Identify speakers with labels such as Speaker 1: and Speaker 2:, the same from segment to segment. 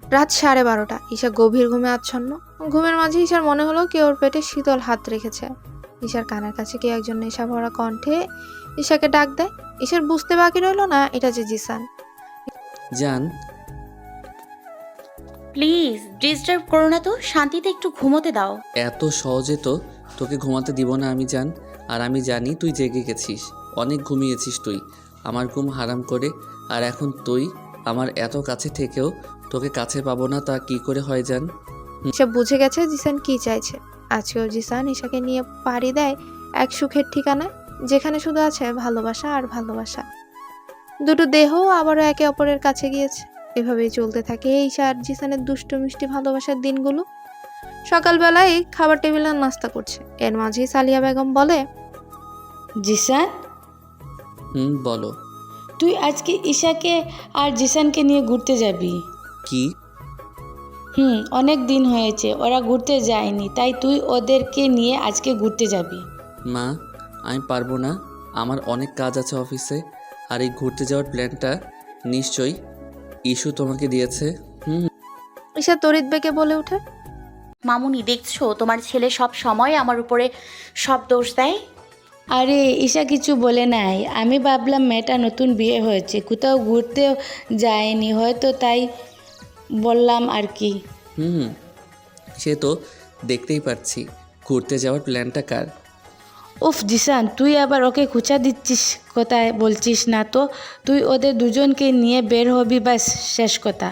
Speaker 1: রাত 12:30। ঈশা গভীর ঘুমে আচ্ছন্ন। ঘুমের মাঝে ঈশার মনে হলো কেউ ওর পেটে শীতল হাত রেখেছে। ঈশার কানের কাছে কেউ একজন নেশা ভরা কণ্ঠে ঈশাকে ডাক দেয়। ঈশার বুঝতে বাকি রইল না এটা যে জিসান।
Speaker 2: জান,
Speaker 3: প্লিজ ডিস্টার্ব করো না তো, শান্তিতে একটু ঘুমোতে দাও।
Speaker 2: এত সহজে তো তোকে ঘুমাতে দিব না আমি জান। আর আমি জানি তুই জেগে গেছিস, অনেক ঘুমিয়েছিস তুই আমার ঘুম হারাম করে। আর এখন তুই আমার এত কাছে থেকেও তোকে কাছে পাবো না, তা কি করে হয় জান?
Speaker 1: ঈশা বুঝে গেছে জিসান কি চাইছে। আজকেও জিসান ঈশাকে নিয়ে পাড়ি দেয় এক সুখের ঠিকানায়, যেখানে শুধু আছে ভালোবাসা আর ভালোবাসা। দুটো দেহ আবারও একে অপরের কাছে গিয়েছে। এভাবেই চলতে থাকে ঈশা আর জিসানের দুষ্টু মিষ্টি ভালোবাসার দিনগুলো। সকালবেলায় খাবার টেবিলে নাস্তা করছে, এর মাঝেই সালিয়া বেগম বলে,
Speaker 4: জিসান,
Speaker 2: বলো।
Speaker 4: তুই আজকে ঈশাকে আর জিসানকে নিয়ে ঘুরতে যাবি?
Speaker 2: কি?
Speaker 4: অনেক দিন হয়েছে ওরা ঘুরতে যায়নি, তাই তুই ওদেরকে নিয়ে আজকে ঘুরতে যাবি।
Speaker 2: মা, আমি পারবো না, আমার অনেক কাজ আছে অফিসে। আর এই ঘুরতে যাওয়ার প্ল্যানটা নিশ্চয়ই ইস্যু তোমাকে দিয়েছে।
Speaker 1: ঈশা তড়িৎ বেগে বলে ওঠে,
Speaker 3: মামুনি, দেখছো তোমার ছেলে সব সময় আমার উপরে সব দোষ দেয়।
Speaker 4: আরে ঈশা কিছু বলে নাই, আমি ভাবলাম মেয়েটা নতুন বিয়ে হয়েছে, কোথাও ঘুরতেও যায়নি হয়তো, তাই বললাম আর কি।
Speaker 2: সে তো দেখতেই পাচ্ছি। ঘুরতে যাওয়ার প্ল্যানটা কার?
Speaker 4: উফ জিসান, তুই আবার ওকে খুঁচা দিচ্ছিস, কোথায় বলছিস না তো। তুই ওদের দুজনকে নিয়ে বের হবি, ব্যাস শেষ কথা।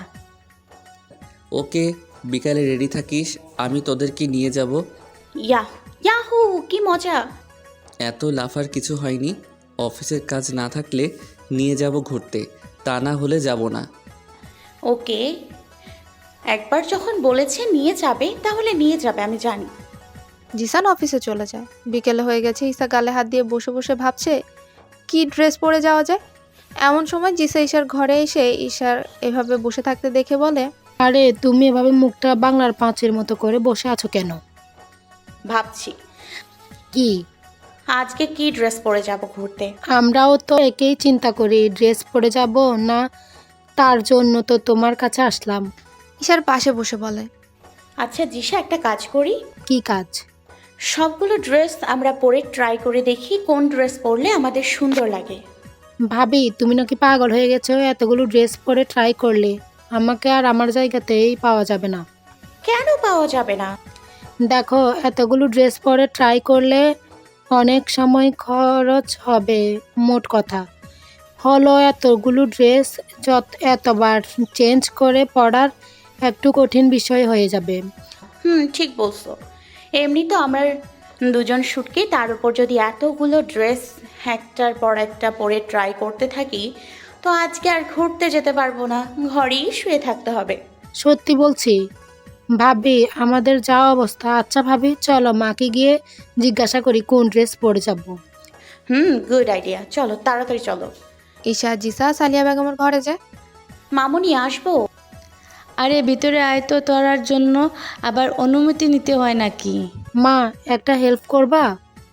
Speaker 2: ওকে, বিকালে রেডি থাকিস, আমি তোদেরকে নিয়ে যাব।
Speaker 3: ইয়াহু, কি মজা।
Speaker 2: এত লাফার কিছু হয়নি। অফিসের কাজ না থাকলে নিয়ে যাব ঘুরতে, তা না হলে যাব না।
Speaker 3: ওকে, একবার যখন বলেছে নিয়ে যাবে তাহলে নিয়ে যাবে, আমি জানি।
Speaker 1: জিসান অফিসে চলে যায়। বিকেলে হয়ে গেছে। ঈশা গালে হাত দিয়ে বসে বসে ভাবছে কি ড্রেস পরে যাওয়া যায়। এমন সময় জিসা ঈশার ঘরে এসে ঈশার এভাবে বসে থাকতে দেখে বলে,
Speaker 5: আরে তুমি এভাবে মুখটা বাংলার পাঁচের মতো করে বসে আছো কেন?
Speaker 3: ভাবছি
Speaker 5: কি?
Speaker 3: আজকে কি ড্রেস পরে যাব ঘুরতে।
Speaker 5: আমরাও তো একেই চিন্তা করি, ড্রেস পরে যাব না, তার জন্য তো তোমার কাছে আসলাম।
Speaker 1: ঈশার পাশে বসে বলে,
Speaker 3: আচ্ছা জিসা, একটা কাজ করি,
Speaker 5: কি কাজ?
Speaker 3: সবগুলো ড্রেস আমরা পরে ট্রাই করে দেখি কোন ড্রেস পরলে আমাদের সুন্দর লাগে।
Speaker 5: ভাবি, তুমি নাকি পাগল হয়ে গেছো? এতগুলো ড্রেস পরে ট্রাই করলে আমাকে আর আমার জায়গাতেই পাওয়া যাবে না।
Speaker 3: কেন পাওয়া যাবে না?
Speaker 5: দেখো, এতগুলো ড্রেস পরে ট্রাই করলে অনেক সময় খরচ হবে। মোট কথা হলো এতগুলো ড্রেস এতবার চেঞ্জ করে পরার একটু কঠিন বিষয় হয়ে যাবে।
Speaker 3: ঠিক বলছো। এমনি তো আমরা দুজন শুটকি, তার উপর যদি এতগুলো ড্রেস একটার পর একটা পরে ট্রাই করতে থাকি, তো আজকে আর ঘুরতে যেতে পারবো না, ঘরেই শুয়ে থাকতে হবে।
Speaker 5: সত্যি বলছি ভাবি, আমাদের যা অবস্থা। আচ্ছা ভাবি, চলো মাকে গিয়ে জিজ্ঞাসা করি কোন ড্রেস পরে যাব।
Speaker 3: গুড আইডিয়া, চলো তাড়াতাড়ি চলো।
Speaker 1: ঈশা জিসা সালিয়া বেগমের ঘরে যায়।
Speaker 3: মামুনি, আসবো?
Speaker 4: আরে ভিতরে আয় তো, তোরার জন্য আবার অনুমতি নিতে হয় নাকি?
Speaker 5: মা, একটা হেল্প করবা?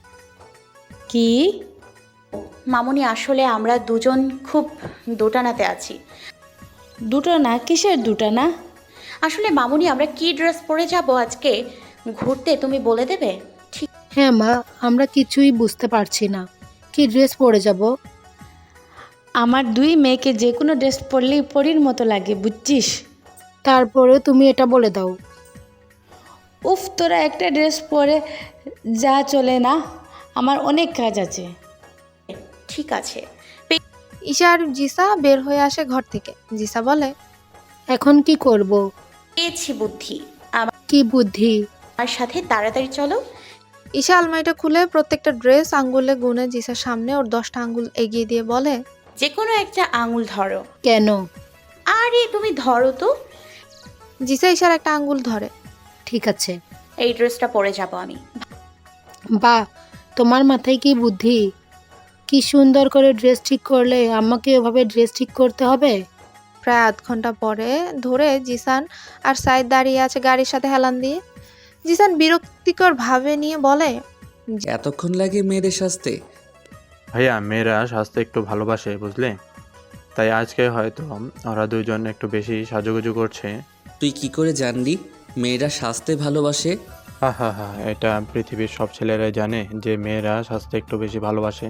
Speaker 4: কি?
Speaker 3: মামুনি, আসলে আমরা দুজন খুব দোটানাতে আছি।
Speaker 4: দুটো না? কিসের দুটো না?
Speaker 3: আসলে মামুনি, আমরা কি ড্রেস পরে যাব আজকে ঘুরতে, তুমি বলে দেবে? ঠিক।
Speaker 5: হ্যাঁ মা, আমরা কিছুই বুঝতে পারছি না, কি ড্রেস পরে যাব।
Speaker 4: আমার দুই মেয়েকে যে কোনো ড্রেস পরলেই পরীর মতো লাগে, বুঝছিস?
Speaker 5: তারপরে তুমি এটা বলে দাও।
Speaker 4: উফ, তোরা একটা ড্রেস পরে যা, চলে না? আমার অনেক কাজ আছে।
Speaker 3: ঠিক আছে।
Speaker 1: ঈশা আর জিসা বের হয়ে আসে ঘর থেকে। জিসা বলে,
Speaker 5: এখন কি করব?
Speaker 3: পেয়েছি বুদ্ধি,
Speaker 5: কি বুদ্ধি?
Speaker 3: আমার সাথে তাড়াতাড়ি চলো।
Speaker 1: ঈশা আলমারিটা খুলে প্রত্যেকটা ড্রেস আঙ্গুলে গুনে জিসার সামনে ওর 10টা আঙ্গুল এগিয়ে দিয়ে বলে,
Speaker 3: যে কোনো একটা আঙুল ধরো।
Speaker 5: কেন?
Speaker 3: আরে তুমি ধরো তো।
Speaker 1: জিসা ঈশার একটা আঙ্গুল ধরে।
Speaker 5: ঠিক আছে।
Speaker 3: এই ড্রেসটা পরে যাব আমি।
Speaker 5: বাহ, তোমার মাথায় কি বুদ্ধি! কি সুন্দর করে ড্রেস ঠিক করলে। আমাকে ওভাবে ড্রেস ঠিক করতে হবে?
Speaker 1: প্রায় আধ ঘন্টা পরে ধরে জিসান আর সাইদ দাঁড়িয়ে আছে গাড়ির সাথে হেলান দিয়ে। জিসান বিরক্তিকর ভাবে নিয়ে বলে,
Speaker 2: এতক্ষণ লাগে মেয়েদের সাজতে?
Speaker 6: ভাইয়া, মেয়েরা সাজতে একটু ভালোবাসে বুঝলে, তাই আজকে হয়তো ওরা দুজন একটু বেশি সাজুগুজু করছে।
Speaker 2: তুই কি করে জানলি মেয়েরা সাজতে ভালোবাসে?
Speaker 6: হা হা হা, এটা পৃথিবীর সব ছেলেরাই জানে যে মেয়েরা সাজতে একটু বেশি ভালোবাসে।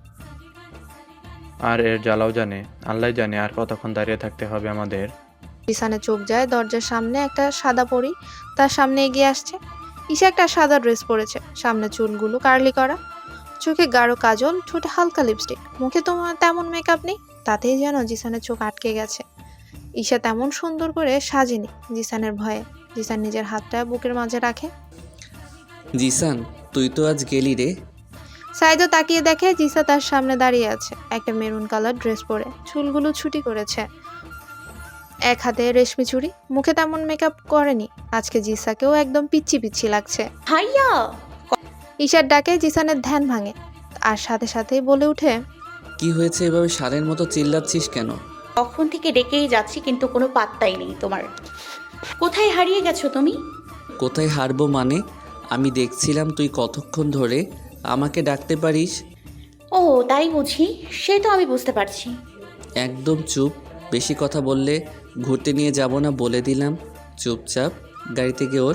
Speaker 6: আর এর জ্বালাও জানে, আল্লাহ জানে আর কতক্ষণ দাঁড়িয়ে থাকতে হবে আমাদের।
Speaker 1: জিসানের চোখ যায় দরজার সামনে একটা সাদা পরী তার সামনে এগিয়ে আসছে। ঈশা একটা সাদা ড্রেস পরেছে, সামনে চুলগুলো কার্লি করা, চোখে গাঢ় কাজল, ঠোঁটে হালকা লিপস্টিক, মুখে তোমার তেমন মেকআপ নেই, তাতেই যেন জিসানের চোখ আটকে গেছে। ঈশা তেমন সুন্দর করে সাজেনি জিসানের ভয়ে। জিসান নিজের হাতটা বুকের মাঝে রাখে।
Speaker 2: জিসান, তুই তো আজ গেলি রে।
Speaker 1: সাইদও তাকিয়ে দেখে জিসা তার সামনে দাঁড়িয়ে আছে, একটা মেরুন কালার ড্রেস পরে, চুলগুলো ছুটি করেছে, এক হাতে রেশমি চুড়ি, মুখে তেমন মেকআপ করেনি। আজকে জিসাকেও একদম পিচ্ছি পিচ্ছি লাগছে।
Speaker 3: ভাইয়া,
Speaker 1: ঈশার ডাকে জিসানের ধ্যান ভাঙে, আর সাথে সাথেই বলে উঠে,
Speaker 2: কি হয়েছে, এভাবে ষাঁড়ের মতো চিল্লাচ্ছিস কেন?
Speaker 3: কখন থেকে ডেকেই যাচ্ছি কিন্তু কোনো পাত্তাই নেই তোমার। কোথায় হারিয়ে গেছো তুমি?
Speaker 2: কোথায় হারবো মানে? আমি দেখছিলাম তুই কতক্ষণ ধরে আমাকে ডাকতে পারিস।
Speaker 3: ও তাই বুঝি, সে তো আমি বুঝতে পারছি।
Speaker 2: একদম চুপ, বেশি কথা বললে ঘুরতে নিয়ে যাব না বলে দিলাম। চুপচাপ গাড়ি থেকে ওঠ।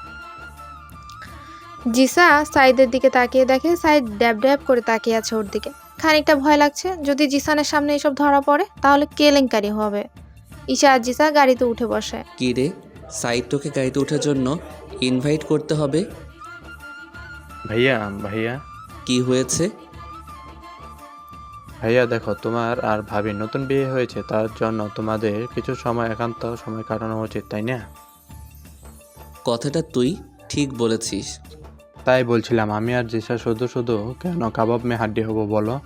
Speaker 1: জিসা সাইদের দিকে তাকিয়ে দেখে সাইদ ড্যাব ড্যাব করে তাকিয়ে আছে ওর দিকে। খানিকটা ভয় লাগছে, যদি জিসানের সামনে এসব ধরা পড়ে তাহলে কেলেঙ্কারি হবে। ঈশা আর জিসা গাড়িতে উঠে বসে।
Speaker 2: কি রে, সাইড তোকে গাড়িতে ওঠার জন্য ইনভাইট করতে হবে?
Speaker 6: ভাইয়া ভাইয়া
Speaker 2: কি হয়েছে?
Speaker 6: ভাইয়া দেখো, তোমার আর ভাবির নতুন বিয়ে হয়েছে, তার জন্য তোমাদের কিছু সময় একান্ত সময় কাটানো উচিত, তাই না?
Speaker 2: কথাটা তুই ঠিক বলেছিস।
Speaker 6: তাই বলছিলাম, আমি আর জিসা শুধু শুধু কেন কাবাব মে হাড্ডি হবো বলো?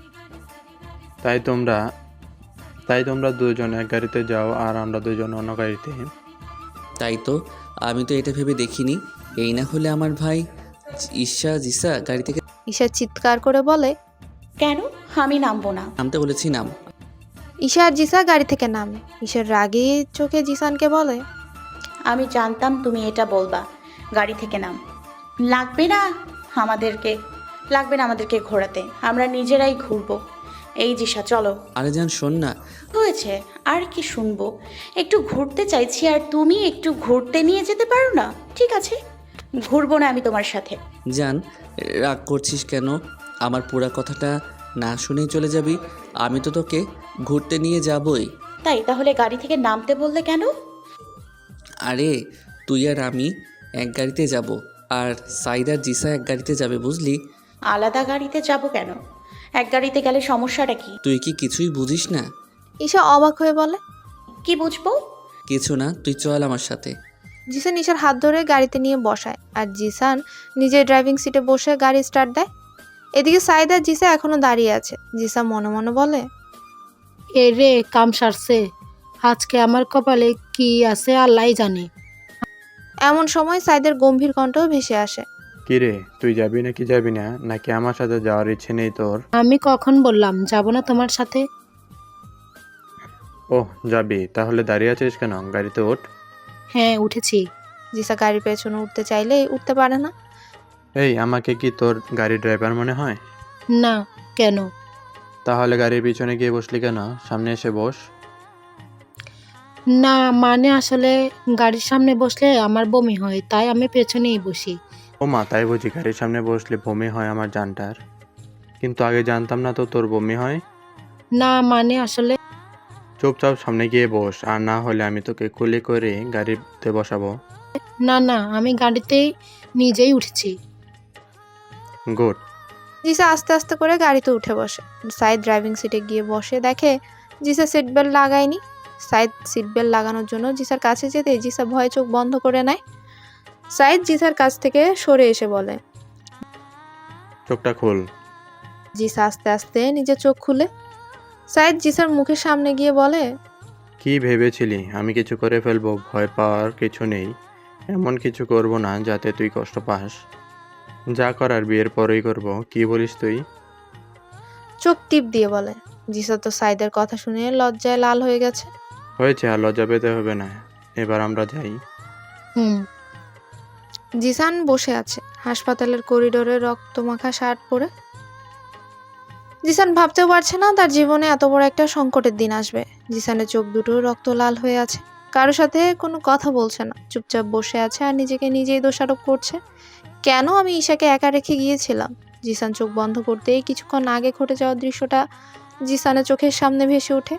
Speaker 6: তাই তোমরা দুজন এক গাড়িতে যাও আর আমরা দুজন অন্য গাড়িতে।
Speaker 2: তাই তো, আমি তো এটা ভেবে দেখিনি। এই না হলে আমার ভাই ঈশা জিসা গাড়ি থেকে
Speaker 1: ঈশা চিৎকার করে বলে,
Speaker 3: কেন? আমি নামবো না।
Speaker 2: নামতে বলেছি, নাম।
Speaker 1: ঈশা আর জিসা গাড়ি থেকে নামে। ঈশার রাগী চোখে জিসানকে বলে,
Speaker 3: আমি জানতাম তুমি এটা বলবা। গাড়ি থেকে নাম। লাগবে না আমাদেরকে ঘোরাতে, আমরা নিজেরাই ঘুরবো। এই জিসা চলো।
Speaker 2: আরে জান, শোন না।
Speaker 3: হয়েছে, আর কি শুনবো? একটু ঘুরতে চাইছি আর তুমি একটু ঘুরতে নিয়ে যেতে পারো না? ঠিক আছে, ঘুরবো না আমি তোমার সাথে।
Speaker 2: জান, রাগ করছিস কেন? আমার পুরা কথাটা না শুনেই চলে যাবি? আমি তো তোকে ঘুরতে নিয়ে যাবই।
Speaker 3: তাই তাহলে গাড়ি থেকে নামতে বললে কেন?
Speaker 2: আরে তুই আর আমি এক গাড়িতে যাব, আর সাইদ আর জিসা এক গাড়িতে যাবে, বুঝলি?
Speaker 3: আলাদা গাড়িতে যাব কেন? এক গাড়িতে গেলে সমস্যাটা কি?
Speaker 2: তুই কি কিছুই বুঝিস না?
Speaker 1: ঈশা অবাক হয়ে বলে,
Speaker 3: কি বুঝবো?
Speaker 2: কিছু না, তুই চল আমার সাথে।
Speaker 1: জিসান ঈশার হাত ধরে গাড়িতে নিয়ে বসায়, আর জিসান নিজের ড্রাইভিং সিটে বসে গাড়ি স্টার্ট দেয়। এদিকে সাইদ আর জিসা এখনো দাঁড়িয়ে আছে। জিসা মনে মনে বলে,
Speaker 5: এ রে, কাম সারছে। আজকে আমার কপালে কি আছে আল্লাহ জানে।
Speaker 1: এমন সময় সাইদের গম্ভীর কণ্ঠ ভেসে আসে।
Speaker 6: কি রে, তুই যাবি নাকি যাবি না, নাকি আমার সাথে যাওয়ার ইচ্ছে নেই তোর?
Speaker 5: আমি কখন বললাম যাব না তোমার সাথে?
Speaker 6: ওহ যাবি, তাহলে দাঁড়িয়ে আছিস কেন? গাড়িতে ওঠ।
Speaker 5: হ্যাঁ উঠেছি।
Speaker 1: জিসা গাড়ির পেছনে উঠতে চাইলেই উঠতে পারে না।
Speaker 6: এই, আমাকে কি তোর গাড়ির ড্রাইভার মনে হয়?
Speaker 5: না, কেন?
Speaker 6: তাহলে গাড়ির পিছনে গিয়ে বসলি কেন? সামনে এসে বস।
Speaker 5: না মানে আসলে গাড়ির সামনে বসলে আমার বমি হয়, তাই আমি পেছনেই বসি।
Speaker 6: ও মা, তাই বুঝি? গাড়ির সামনে বসলে বমি হয় আমার জানটার? কিন্তু আগে জানতাম না তো তোর বমি হয়।
Speaker 5: না মানে আসলে
Speaker 6: চুপচাপ সামনে গিয়ে বস, আর না হলে আমি তোকে কুলি করে গাড়িতে বসাবো।
Speaker 5: না আমি গাড়িতেই নিজেই উঠেছি।
Speaker 6: গুড।
Speaker 1: জিসা আস্তে আস্তে করে গাড়িতে উঠে বসে। সাইদ ড্রাইভিং সিটে গিয়ে বসে দেখে জিসা সিট বেল্ট লাগায়নি। সাইদ সিট বেল্ট লাগানোর জন্য জিসার কাছে যেতে জিসা ভয়ে চোখ বন্ধ করে নেয়। সাইদ জিসার কাছ থেকে সরে এসে বলে,
Speaker 6: চোখটা খোল।
Speaker 1: জিসা আস্তে আস্তে নিজের চোখ খুলে। সাইদ জিসার মুখের সামনে গিয়ে বলে,
Speaker 6: কি ভেবেছিলি আমি কিছু করে ফেলবো? ভয় পাওয়ার কিছু নেই। এমন কিছু করব না যাতে তুই কষ্ট পাস। যা করার বিয়ের পরেই করব। কি বলিস তুই?
Speaker 1: চোখ টিপ দিয়ে বলে। জিসা তো সাইদের কথা শুনে লজ্জায় লাল হয়ে গেছে।
Speaker 6: হয়েছে, আর লজ্জা পেতে হবে না, এবার আমরা যাই।
Speaker 5: হুম।
Speaker 1: জিসান বসে আছে হাসপাতালের করিডোরে রক্তমাখা শার্ট পরে। জিসান ভাবতেও পারছে না তার জীবনে এত বড় একটা সংকটের দিন আসবে। জিসানের চোখ দুটো রক্ত লাল হয়ে আছে, কারোর সাথে কোনো কথা বলছে না, চুপচাপ বসে আছে আর নিজেকে নিজেই দোষারোপ করছে। কেন আমি ঈশাকে একা রেখে গিয়েছিলাম? জিসান চোখ বন্ধ করতেই কিছুক্ষণ আগে ঘটে যাওয়া দৃশ্যটা জিসানের চোখের সামনে ভেসে ওঠে।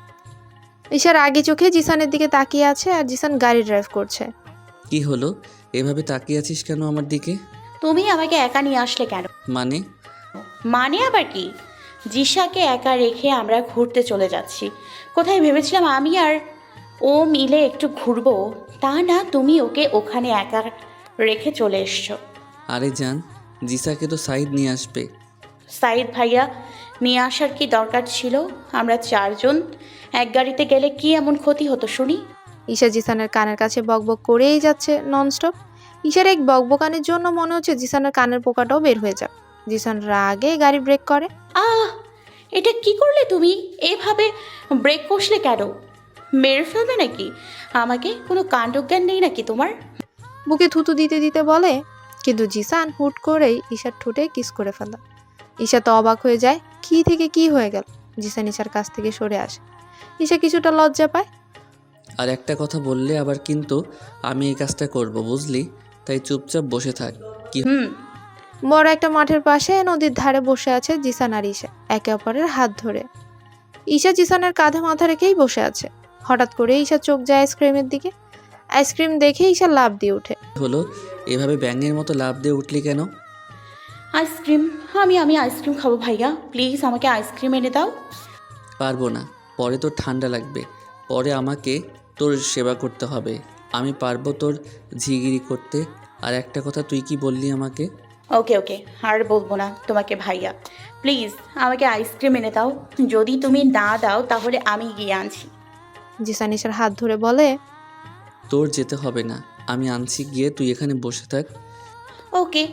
Speaker 1: ঈশার আগে চোখে জিসানের দিকে তাকিয়ে আছে আর জিসান গাড়ি ড্রাইভ করছে।
Speaker 2: কি হলো? এভাবে তাকিয়ে আছিস কেন আমার দিকে?
Speaker 3: তুমি আমাকে একা নিয়ে আসলে কেন?
Speaker 2: মানে?
Speaker 3: মানে আবার কি? জিসাকে একা রেখে আমরা ঘুরতে চলে যাচ্ছি। কোথায় ভেবেছিলাম আমি আর ও মিলে একটু ঘুরবো, তা না, তুমি ওকে ওখানে একা রেখে চলে এসছো।
Speaker 2: আরে জান, জিসাকে তো সাইদ নিয়ে আসবে।
Speaker 3: সাইদ ভাইয়া নিয়ে আসার কি দরকার ছিল? আমরা চারজন এক গাড়িতে গেলে কি এমন ক্ষতি হতো শুনি?
Speaker 1: ঈশা জিসানের কানের কাছে বকবক করেই যাচ্ছে ননস্টপ। ঈশার এক বকবকানির জন্য মনে হচ্ছে জিসানের কানের পোকাটাও বের হয়ে যাক। জিসান রাগে গাড়ি ব্রেক করে।
Speaker 3: আহ, এটা কি করলে তুমি? এভাবে ব্রেক কষলে কেন? মেরে ফেলবে নাকি আমাকে? কোনো কাণ্ডজ্ঞান নেই নাকি তোমার?
Speaker 1: বুকে থুতু দিতে দিতে বলে, কিন্তু জিসান হুট করেই ঈশার ঠোঁটে কিস করে ফেলে। ঈশা তো অবাক হয়ে যায়, কি থেকে কি হয়ে গেল। জিসান ঈশার কাছ থেকে সরে আসে। ঈশা কিছুটা লজ্জা পায়।
Speaker 2: আর একটা কথা বললে আবার কিন্তু আমি এই কাজটা করব, বুঝলি? তাই চুপচাপ বসে থাক। কি
Speaker 1: বড় একটা মাঠের পাশে নদীর ধারে বসে আছে জিসান আর ঈশা, একে অপরের হাত ধরে। ঈশা জিসানের কাঁধে মাথা রেখেই বসে আছে। হঠাৎ করে ঈশা চোখ যায় আইসক্রিমের দিকে। আইসক্রিম দেখে ঈশা লাফ দিয়ে ওঠে।
Speaker 2: হলো? এভাবে ব্যাঙের মতো লাফ দিয়ে উঠলি কেন?
Speaker 3: আইসক্রিম, আমি আইসক্রিম খাবো ভাইয়া, প্লিজ আমাকে আইসক্রিম এনে দাও।
Speaker 2: পারবো না, পরে তোর ঠান্ডা লাগবে, পরে আমাকে তোর সেবা করতে হবে। আমি পারবো তোর ঝিগিরি করতে। আর একটা কথা, তুই কি বললি আমাকে?
Speaker 3: ওকে ওকে, আর বলবো না তোমাকে ভাইয়া, প্লিজ আমাকে আইসক্রিম এনে দাও। যদি তুমি না দাও তাহলে আমি গিয়ে আনছি।
Speaker 1: জিসান ঈশার হাত ধরে বলে,
Speaker 2: তোর যেতে হবে না, আমি আনছি গিয়ে, তুই এখানে বসে থাক।
Speaker 3: ওকে।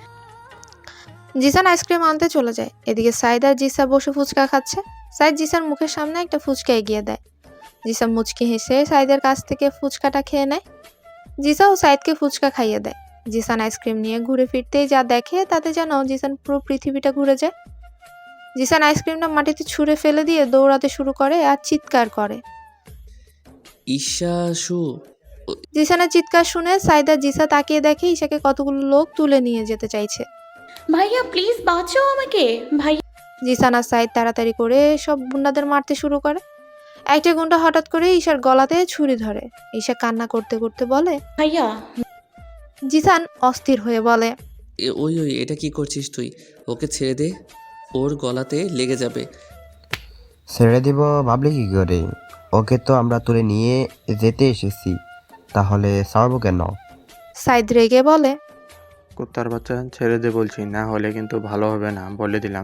Speaker 1: জিসান আইসক্রিম আনতে চলে যায়। এদিকে সাইদ আর জিসা বসে ফুচকা খাচ্ছে। সাইদ জিসার মুখের সামনে একটা ফুচকা এগিয়ে দেয়। জিসা মুচকি হেসে সাইদের কাছ থেকে ফুচকাটা খেয়ে নেয়। জিসাও সাইদকে ফুচকা খাইয়ে দেয়। জিসান আইসক্রিম নিয়ে ঘুরে ফিরতেই যা দেখে তাতে যেন জিসান পুরো পৃথিবীটা ঘুরে যায়। জিসান আইসক্রিমটা মাটিতে ছুঁড়ে ফেলে দিয়ে দৌড়াতে শুরু করে আর চিৎকার করে।
Speaker 2: ঈশাশু।
Speaker 1: জিসানের চিৎকার শুনে সাইদ আর জিসা তাকিয়ে দেখে ঈশাকে কতগুলো লোক তুলে নিয়ে যেতে চাইছে।
Speaker 3: ভাইয়া প্লিজ বাঁচাও আমাকে ভাইয়া।
Speaker 1: জিসান আর সাইদ তাড়াতাড়ি করে সব গুন্ডাদের মারতে শুরু করে। একটা গুন্ডা হঠাৎ করে ঈশার গলাতে ছুরি ধরে। ঈশা কান্না করতে করতে বলে।
Speaker 3: ভাইয়া
Speaker 1: জিসান অস্থির হয়ে বলে,
Speaker 2: ওই ওই, এটা কি করছিস তুই? ওকে ছেড়ে দে, ওর গলাতে লেগে যাবে।
Speaker 7: ছেড়ে দিব ভাবলে কি করে? ওকে তো আমরা তুলে নিয়ে যেতে এসেছি, তাহলে ছাড়বো কেন?
Speaker 1: সাইদ রেগে বলে,
Speaker 6: কুত্তার বাচ্চা, ছেড়ে দে বলছি, না হলে কিন্তু ভালো হবে না, বলে দিলাম।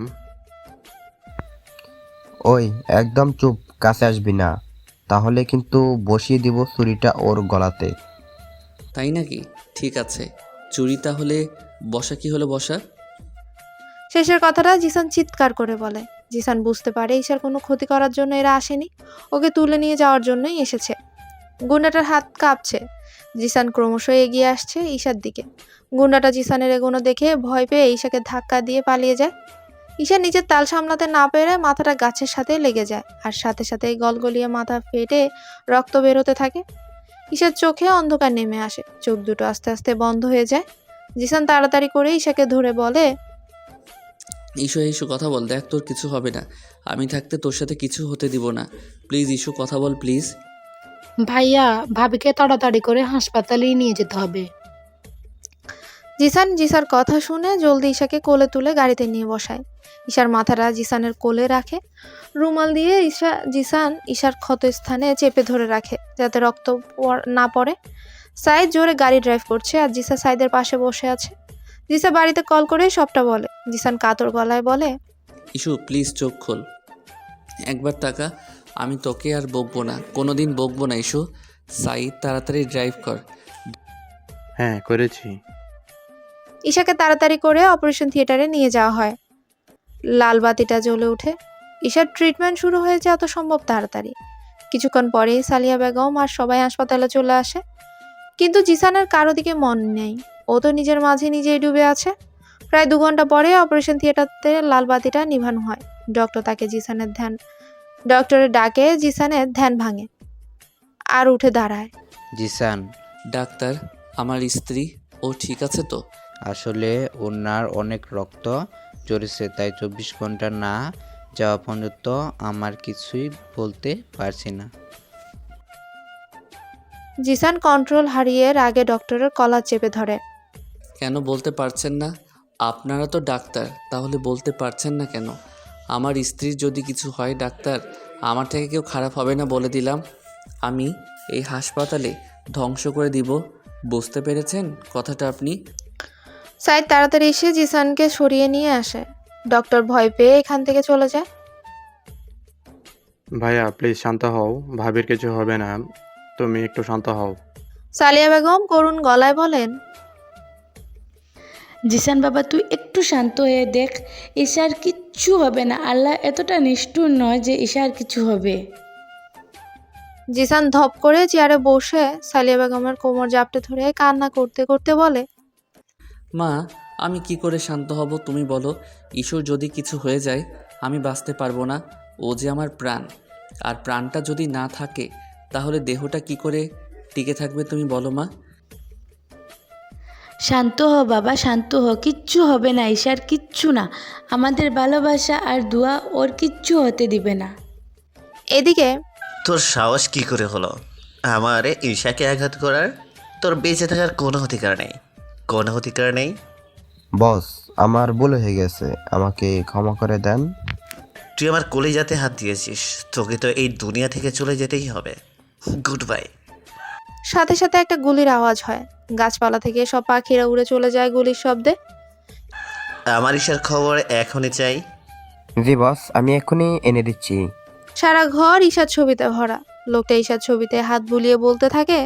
Speaker 7: ওই একদম চুপ, কাছে আসবি না, তাহলে কিন্তু বসিয়ে দিব ছুরিটা ওর গলাতে।
Speaker 2: তাই নাকি? ঠিক আছে, চুরি তাহলে বসা। কি হলো বসা?
Speaker 1: শেষের কথাটা জিসান চিৎকার করে বলে। জিসান বুঝতে পারে ঈশার কোনো ক্ষতি করার জন্য এরা আসেনি, ওকে তুলে নিয়ে যাওয়ার জন্যই এসেছে। গুন্ডাটার হাত কাঁপছে। জিসান ক্রমশ এগিয়ে আসছে ঈশার দিকে। গুন্ডাটা জিসানের এগোনো দেখে ভয় পেয়ে ঈশাকে ধাক্কা দিয়ে পালিয়ে যায়। ঈশা নিজের তাল সামলাতে না পেরে মাথাটা গাছের সাথে লেগে যায়, আর সাথে সাথে গলগলিয়ে মাথা ফেটে রক্ত বেরোতে থাকে। ঈশার চোখে অন্ধকার নেমে আসে, চোখ দুটো আস্তে আস্তে বন্ধ হয়ে যায়। জিসান তাড়াতাড়ি করে ঈশাকে ধরে বলে,
Speaker 2: ইস্যু ইস্যু কথা বল, দেখ তোর কিছু হবে না। আমি থাকতে তোর সাথে কিছু হতে দিব না। প্লিজ ইস্যু, কথা বল প্লিজ।
Speaker 5: ভাইয়া, ভাবিকে তাড়াতাড়ি করে হাসপাতালেই নিয়ে যেতে হবে।
Speaker 1: জিসান জিসার কথা শুনে জলদি ঈশাকে কোলে তুলে গাড়িতে নিয়ে বসায়। ঈশার মাথাটা জিসানের কোলে রাখে। রুমাল দিয়ে জিসান ঈশার ক্ষতস্থানে চেপে ধরে রাখে যাতে রক্ত না পড়ে। সাইদ জোরে গাড়ি ড্রাইভ করছে আর জিসা সাইদের পাশে বসে আছে। জিসা বাড়িতে কল করে সবটা বলে। জিসান কাতর গলায় বলে,
Speaker 2: ইস্যু প্লিজ চোখ খোল, একবার তাকা। আমি তোকে আর বকবো না, কোনোদিন বকবো না ইস্যু। সাইদ তাড়াতাড়ি ড্রাইভ কর।
Speaker 6: হ্যাঁ, করেছি।
Speaker 1: ঈশাকে তাড়াতাড়ি করে অপারেশন থিয়েটারে নিয়ে যাওয়া হয়। লাল বাতিটা জ্বলে ওঠে। ঈশার ট্রিটমেন্ট শুরু হয়ে যায় যত সম্ভব তাড়াতাড়ি। কিছুক্ষণ পরেই সালিয়া বেগম আর সবাই হাসপাতালে চলে আসে। কিন্তু জিসানের কারো দিকে মন নেই, ও তো নিজের মাঝে নিজেই ডুবে আছে। প্রায় 2 ঘন্টা পরে অপারেশন থিয়েটারতে লাল বাতিটা নিভানো হয়। ডক্টরের ডাকে জিসানের ধ্যান ভাঙে আর উঠে দাঁড়ায়।
Speaker 8: জিসান,
Speaker 2: ডাক্তার, আমার স্ত্রী ও ঠিক আছে তো?
Speaker 8: আসলে ওনার অনেক রক্ত ঝরেছে, তাই 24 ঘন্টা না যাওয়া পর্যন্ত আমার কিছুই বলতে পারছি না।
Speaker 1: জিসান কন্ট্রোল হারিয়ে রাগে ডক্টরের কলার চেপে ধরে।
Speaker 2: কেন বলতে পারছেন না? আপনারা তো ডাক্তার, তাহলে বলতে পারছেন না কেন? আমার স্ত্রীর যদি কিছু হয় ডাক্তার, আমার থেকে কেউ খারাপ হবে না বলে দিলাম। আমি এই হাসপাতালে ধ্বংস করে দিব। বুঝতে পেরেছেন কথাটা আপনি?
Speaker 1: সাইদ তাড়াতাড়ি এসে জিসানকে সরিয়ে নিয়ে আসে। ডক্টর ভয় পেয়ে এখান থেকে চলে যায়।
Speaker 6: ভাইয়া প্লিজ শান্ত হও, ভাবির কিছু হবে না, তুমি একটু শান্ত হও।
Speaker 1: সালিয়া বেগম করুণ গলায় বলেন,
Speaker 4: জিসান বাবা, তুই একটু শান্ত হয়ে দেখ, ঈশার কিচ্ছু হবে না। আল্লাহ এতটা নিষ্ঠুর নয় যে ঈশার কিছু হবে।
Speaker 1: জিসান ধপ করে চেয়ারে বসে সালিয়া বেগমের কোমর জাপটে ধরে কান্না করতে করতে বলে,
Speaker 2: মা, আমি কি করে শান্ত হব তুমি বলো? ঈশ্বর যদি কিছু হয়ে যায় আমি বাঁচতে পারবো না। ও যে আমার প্রাণ, আর প্রাণটা যদি না থাকে তাহলে দেহটা কি করে টিকে থাকবে তুমি বলো মা?
Speaker 4: শান্ত হ বাবা, শান্ত হ, কিচ্ছু হবে না, ঈশার কিচ্ছু না। আমাদের ভালোবাসা আর দোয়া ওর কিচ্ছু হতে দিবে না।
Speaker 1: এদিকে
Speaker 9: তোর সাহস কি করে হলো আমারে ঈশাকে আঘাত করার? তোর বেঁচে থাকার কোনো অধিকার নেই, কোনো অধিকার নেই।
Speaker 7: বস, আমার ভুল হয়ে গেছে, আমাকে ক্ষমা করে দেন।
Speaker 9: তুই আমার কলিজাতে হাত দিয়েছিস, তোকে তো এই দুনিয়া থেকে চলে যেতেই হবে। Goodbye.
Speaker 1: সাথে সাথে একটা গুলির আওয়াজ হয়। গাছপালা থেকে সব পাখিরা উড়ে চলে যায় গুলির শব্দে।
Speaker 9: আমার ঈশার খবর এখনই চাই।
Speaker 7: জি বস, আমি এখনই এনে দিচ্ছি।
Speaker 1: সারা ঘর ঈশার ছবিতে ভরা। লোকটা ঈশার ছবিতে হাত বুলিয়ে বলতে থাকে,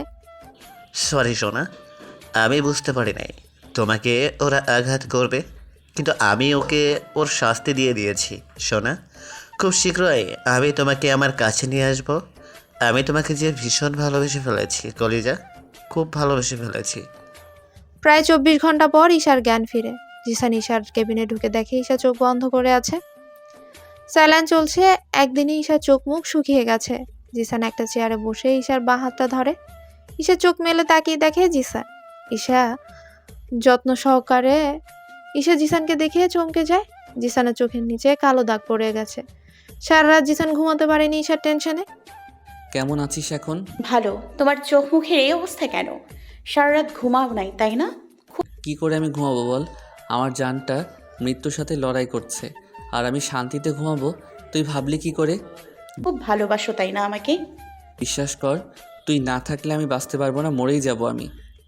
Speaker 9: সরি সোনা, আমি বুঝতে পারি নাই তোমাকে ওরা আঘাত করবে, কিন্তু আমি ওকে ওর শাস্তি দিয়ে দিয়েছি। সোনা, খুব শীঘ্রই আমি তোমাকে আমার কাছে নিয়ে আসব। আমি তোমাকে যে ভীষণ ভালোবেসে ফেলেছি কলিজা, খুব ভালোবেসে ফেলেছি।
Speaker 1: প্রায় 24 ঘন্টা পর ঈশার জ্ঞান ফিরে। জিসান ঈশার কেবিনে ঢুকে দেখে ঈশা চোখ বন্ধ করে আছে। স্যালাইন চলছে। একদিনে ঈশার চোখ মুখ শুকিয়ে গেছে। জিসান একটা চেয়ারে বসে ঈশার বাঁ হাতটা ধরে। ঈশা চোখ মেলে তাকিয়ে দেখে জিসান। ঈশা যত্ন সহকারে ঈশা জিসানকে দেখে চমকে যায়। জিসানের চোখের নিচে কালো দাগ পড়ে গেছে। সারা রাত জিসান ঘুমাতে পারেনি ঈশার টেনশনে।
Speaker 2: কেমন আছিস এখন?
Speaker 3: ভালো। তোমার চোখ মুখের এই অবস্থা কেন? সারা রাত ঘুমাও নাই তাই না?
Speaker 2: কি করে আমি ঘুমাবো বল? আমার জানটা মৃত্যুর সাথে লড়াই করছে, আর আমি শান্তিতে ঘুমাবো তুই ভাবলি কি করে?
Speaker 3: খুব ভালোবাসো তাই না আমাকে?
Speaker 2: বিশ্বাস কর, তুই না থাকলে আমি বাঁচতে পারবো না, মরেই যাব আমি।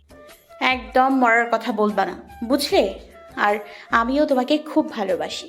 Speaker 3: একদম মরার কথা বলবা না, বুঝলে? আর আমিও তোমাকে খুব ভালোবাসি।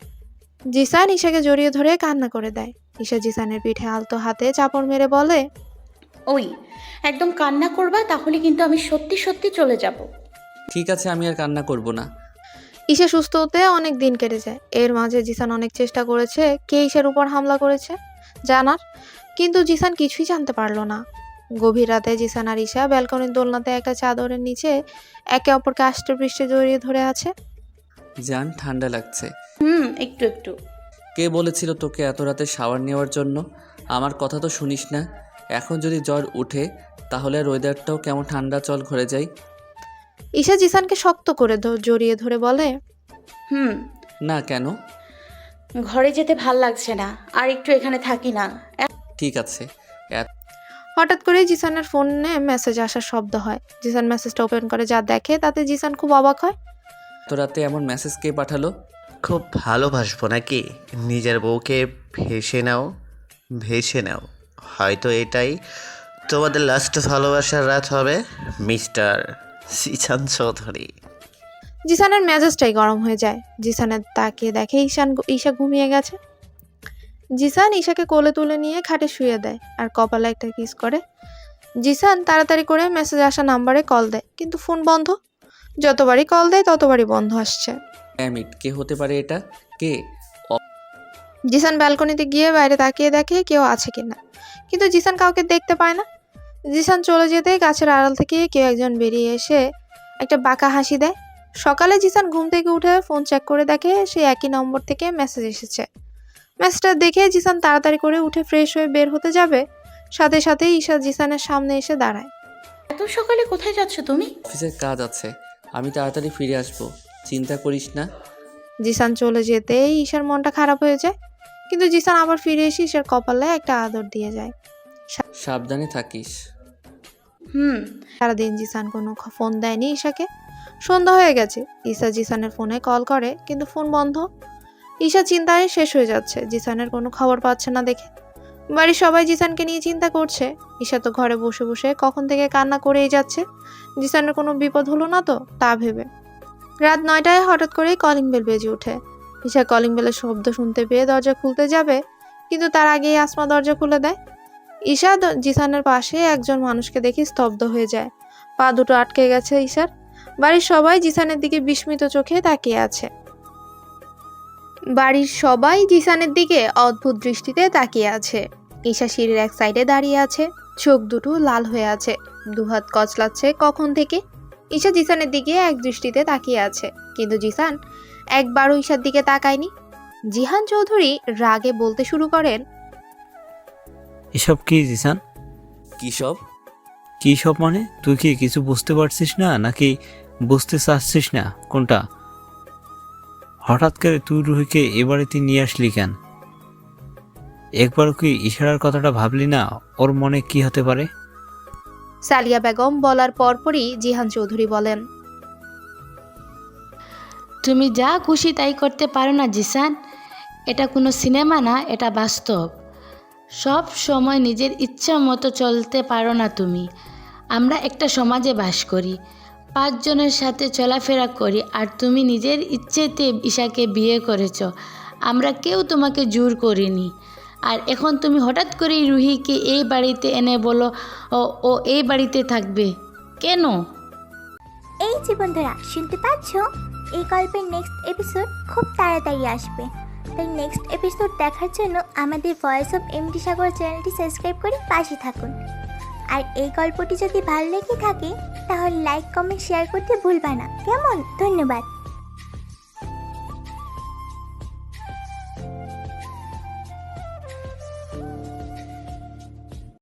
Speaker 1: জিসান ঈশাকে জড়িয়ে ধরে কান্না করে দেয়। ঈশা জিসানের পিঠে আলতো হাতে চাপড় মেরে বলে,
Speaker 3: ওই একদম কান্না করবা, তাহলে কিন্তু আমি সত্যি সত্যি চলে যাব।
Speaker 2: ঠিক আছে, আমি আর কান্না করব না।
Speaker 1: ঈশা সুস্থ হতে অনেক দিন কেটে যায়। এর মাঝে জিসান অনেক চেষ্টা করেছে কে ঈশার উপর হামলা করেছে জানার, কিন্তু জিসান কিছুই জানতে পারলো না। গভীর রাতে জিসান আর ঈশা ব্যালকনির দোলনাতে একটা চাদরের নিচে একে অপরকে আষ্টেপৃষ্ঠে জড়িয়ে ধরে আছে।
Speaker 2: জান, ঠান্ডা লাগছে।
Speaker 3: একটু একটু।
Speaker 2: কে বলেছিল তোকে এত রাতে শাওয়ার নেওয়ার জন্য? আমার কথা তো শুনিস না। এখন যদি জ্বর উঠে তাহলে আর ওয়েদারটাও কেমন ঠান্ডা, চল ঘরে যাই।
Speaker 1: ঈশা জিসানকে শক্ত করে জড়িয়ে ধরে বলে,
Speaker 2: না, কেন?
Speaker 3: ঘরে যেতে ভাল লাগছে না, আর একটু এখানে থাকি না।
Speaker 2: ঠিক আছে।
Speaker 1: হঠাৎ করে জিসানের ফোনে মেসেজ আসার শব্দ হয়। জিসান মেসেজটা ওপেন করে যা দেখে তাতে জিসান খুব অবাক হয়।
Speaker 2: এত রাতে এমন মেসেজ কে পাঠালো?
Speaker 9: খুব ভালোবাসবো নাকি? নিজের বউকে ভেসে নাও, ভেসে নাও। হয়তো এটাই তোমাদের লাস্ট ভালোবাসার রাত হবে, মিস্টার জিসান চৌধুরী।
Speaker 1: জিসানের মেজাজটাই গরম হয়ে যায়। জিসানের তাকিয়ে দেখে ঈশা ঘুমিয়ে গেছে। জিসান ঈশাকে কোলে তুলে নিয়ে খাটে শুয়ে দেয় আর কপালে একটা কিস করে। জিসান তাড়াতাড়ি করে মেসেজ আসা নাম্বারে কল দেয়, কিন্তু ফোন বন্ধ। যতবারই কল দেয় ততবারই বন্ধ আসছে।
Speaker 2: ড্যামিট, কে হতে পারে এটা? কে?
Speaker 1: জিসান ব্যালকনিতে গিয়ে বাইরে তাকিয়ে দেখে কেউ আছে কিনা, কিন্তু জিসান কাউকে দেখতে পায় না। জিসান চলে যেতে গাছের আড়াল থেকে কেউ একজন বেরিয়ে এসে একটা বাঁকা হাসি দেয়। সকালে জিসান ঘুম থেকে উঠে ফোন চেক করে দেখে সেই একই নম্বর থেকে মেসেজ এসেছে। ম্যাচটা দেখে জিসান তাড়াতাড়ি করে উঠে ফ্রেশ হয়ে বের হতে যাবে, সাথে সাথে ঈশা জিসানের সামনে এসে দাঁড়ায়।
Speaker 3: এত সকালে কোথায় যাচ্ছ তুমি?
Speaker 2: অফিসের কাজ আছে, আমি তাড়াতাড়ি ফিরে আসবো, চিন্তা করিস না।
Speaker 1: জিসান চলে যেতেই ঈশার মনটা খারাপ হয়ে যায়, কিন্তু জিসান আবার ফিরে এসে ঈশার কপালে একটা আদর দিয়ে যায়।
Speaker 2: সাবধানে থাকিস।
Speaker 1: সারাদিন জিসান কোনো ফোন দেয়নি ঈশাকে। সন্ধ্যা হয়ে গেছে, ঈশা জিসানের ফোনে কল করে কিন্তু ফোন বন্ধ। ঈশা চিন্তায় শেষ হয়ে যাচ্ছে, জিসানের কোনো খবর পাচ্ছে না দেখে। বাড়ির সবাই জিসানকে নিয়ে চিন্তা করছে। ঈশা তো ঘরে বসে বসে কখন থেকে কান্না করেই যাচ্ছে, জিসানের কোনো বিপদ হলো না তো তা ভেবে। রাত 9টায় হঠাৎ করেই কলিং বেল বেজে ওঠে। ঈশা কলিং বেলের শব্দ শুনতে পেয়ে দরজা খুলতে যাবে, কিন্তু তার আগেই আসমা দরজা খুলে দেয়। ঈশা জিসানের পাশে একজন মানুষকে দেখে স্তব্ধ হয়ে যায়। পা দুটো আটকে গেছে ঈশার। বাড়ির সবাই জিসানের দিকে বিস্মিত চোখে তাকিয়ে আছে। অদ্ভুত দৃষ্টিতে তাকিয়ে আছে। ঈশা সিঁড়ির এক সাইডে দাঁড়িয়ে আছে, চোখ দুটো লাল হয়ে আছে, দুহাত কচলাচ্ছে কখন থেকে। ঈশা জিসানের দিকে এক দৃষ্টিতে তাকিয়ে আছে, কিন্তু জিসান একবারও ঈশার দিকে তাকায়নি। জিহান চৌধুরী রাগে বলতে শুরু করেন,
Speaker 10: এসব কি জিসান?
Speaker 2: কি সব?
Speaker 10: কি সব মানে? তুই কি কিছু বুঝতে পারছিস না নাকি বুঝতে চাচ্ছিস না? কোনটা? হঠাৎ করে তুই রুহিকে এ বাড়িতে নিয়ে আসলি কেন? একবারও কি ইশারার কথাটা ভাবলি না ওর মনে কি হতে পারে?
Speaker 1: সালিয়া বেগম বলার পরপরই জিহান চৌধুরী বলেন,
Speaker 4: তুমি যা খুশি তাই করতে পারো না জিসান। এটা কোনো সিনেমা না, এটা বাস্তব। সব সময় নিজের ইচ্ছা মতো চলতে পারো না তুমি। আমরা একটা সমাজে বাস করি, 5 জনের সাথে চলাফেরা করি, আর তুমি নিজের ইচ্ছেতে ঈশাকে বিয়ে করেছো। আমরা কেউ তোমাকে জোর করিনি। আর এখন তুমি হঠাৎ করেই রুহিকে এই বাড়িতে এনে বলো ও এই বাড়িতে থাকবে কেন?
Speaker 11: এই যে বন্ধুরা শুনতে পাচ্ছ, এই গল্পের নেক্সট এপিসোড খুব তাড়াতাড়ি আসবে। তাই নেক্সট এপিসোড দেখার জন্য আমাদের ভয়েস অফ এমডি সাগর চ্যানেলটি সাবস্ক্রাইব করে পাশে থাকুন। আর এই গল্পটি যদি ভালো লেগে থাকে তাহলে লাইক কমেন্ট শেয়ার করতে ভুলবা না, কেমন? ধন্যবাদ।